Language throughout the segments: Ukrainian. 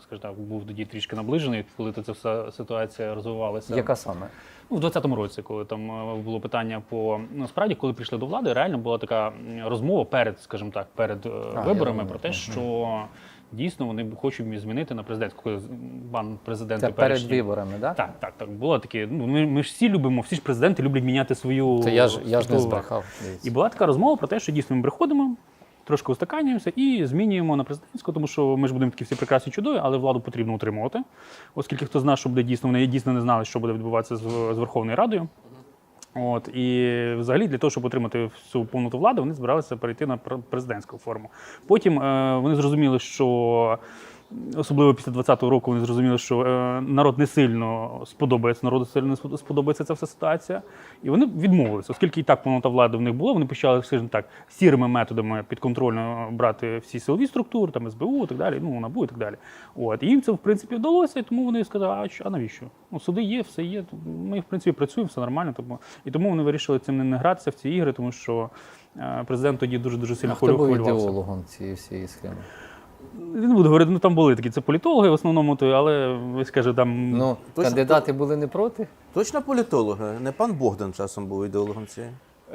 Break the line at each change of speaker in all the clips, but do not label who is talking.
скажімо так, був тоді трішки наближений, коли ця вся ситуація розвивалася.
Яка саме?
Ну, в 2020 році, коли там було питання по... Насправді, коли прийшли до влади, реально була така розмова перед, скажімо так, перед виборами про те, що дійсно вони хочуть змінити на президентську, коли пан президент
Це перед виборами, так?
Так. Було таке, ну, ми ж всі любимо, всі ж президенти люблять міняти свою...
Це я ж не збрехав.
І була така розмова про те, що дійсно ми приходимо, трошки устаканюємося і змінюємо на президентську, тому що ми ж будемо такі всі прекрасні чудові, але владу потрібно утримувати, оскільки хто знає, що буде дійсно, вони дійсно не знали, що буде відбуватися з Верховною Радою. От, і взагалі для того, щоб отримати всю повноту влади, вони збиралися перейти на президентську форму. Потім вони зрозуміли, що особливо після 2020 року вони зрозуміли, що народ не сильно сподобається, народу сильно не сподобається ця вся ситуація. І вони відмовилися, оскільки і так повнота влади в них була, вони почали, скажімо так, сірими методами підконтрольно брати всі силові структури, там СБУ і так далі, ну, НАБУ і так далі. От. І їм це, в принципі, вдалося, і тому вони сказали, а навіщо? Ну, суди є, все є, ми, в принципі, працюємо, все нормально. І тому вони вирішили цим не гратися в ці ігри, тому що президент тоді дуже сильно хвилювався.
Хто був ідеологом цієї всієї схеми?
Не буду говорити, ну там були такі, це політологи в основному, але ви скажете, там...
Ну, кандидати були не проти?
Точно політологи? Не пан Богдан часом був ідеологом цієї?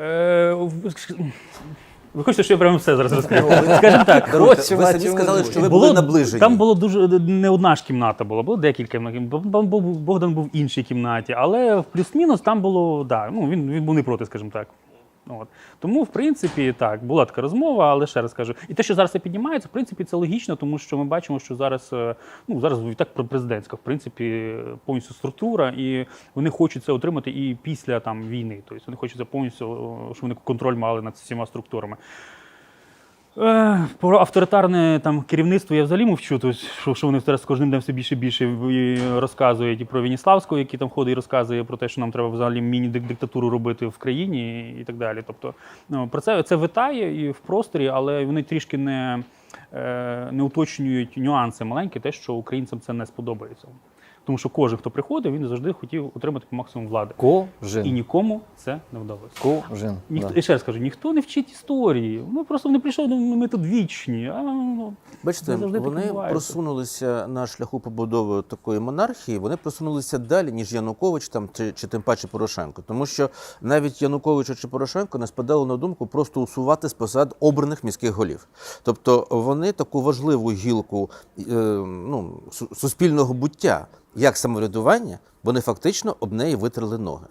Ви хочете, що я прямо все зараз розкажу? Скажімо так.
Ви самі сказали, що ви були наближені.
Там було дуже, не одна ж кімната була, було декілька кімнат. Богдан був в іншій кімнаті, але в плюс-мінус там було, да, ну, він був не проти, скажімо так. От. Тому, в принципі, так, була така розмова, але ще раз кажу. І те, що зараз це піднімається, в принципі, це логічно, тому що ми бачимо, що зараз, ну, зараз і так президентська, в принципі, повністю структура, і вони хочуть це отримати і після там, війни. Тобто вони хочуть це повністю, щоб вони контроль мали над всіма структурами. Про авторитарне там керівництво я взагалі мовчу, тобто, що вони зараз з кожним днем все більше і більше розказують і про Веніславського, який там ходить і розказує про те, що нам треба взагалі міні-диктатуру робити в країні і так далі. Тобто, ну, про це витає і в просторі, але вони трішки не уточнюють нюанси маленькі, те, що українцям це не сподобається. Тому що кожен, хто приходив, він завжди хотів отримати по максимуму влади.
Кожен.
І нікому це не вдалося.
Кожен.
І ще раз кажу, ніхто не вчить історії. Ну, просто вони прийшли, ми тут вічні.
Бачите, вони просунулися на шляху побудови такої монархії, вони просунулися далі, ніж Янукович там, чи тим паче Порошенко. Тому що навіть Януковичу чи Порошенко не спадало на думку просто усувати з посад обраних міських голів. Тобто вони таку важливу гілку суспільного буття, як самоврядування, вони фактично об неї витерли ноги.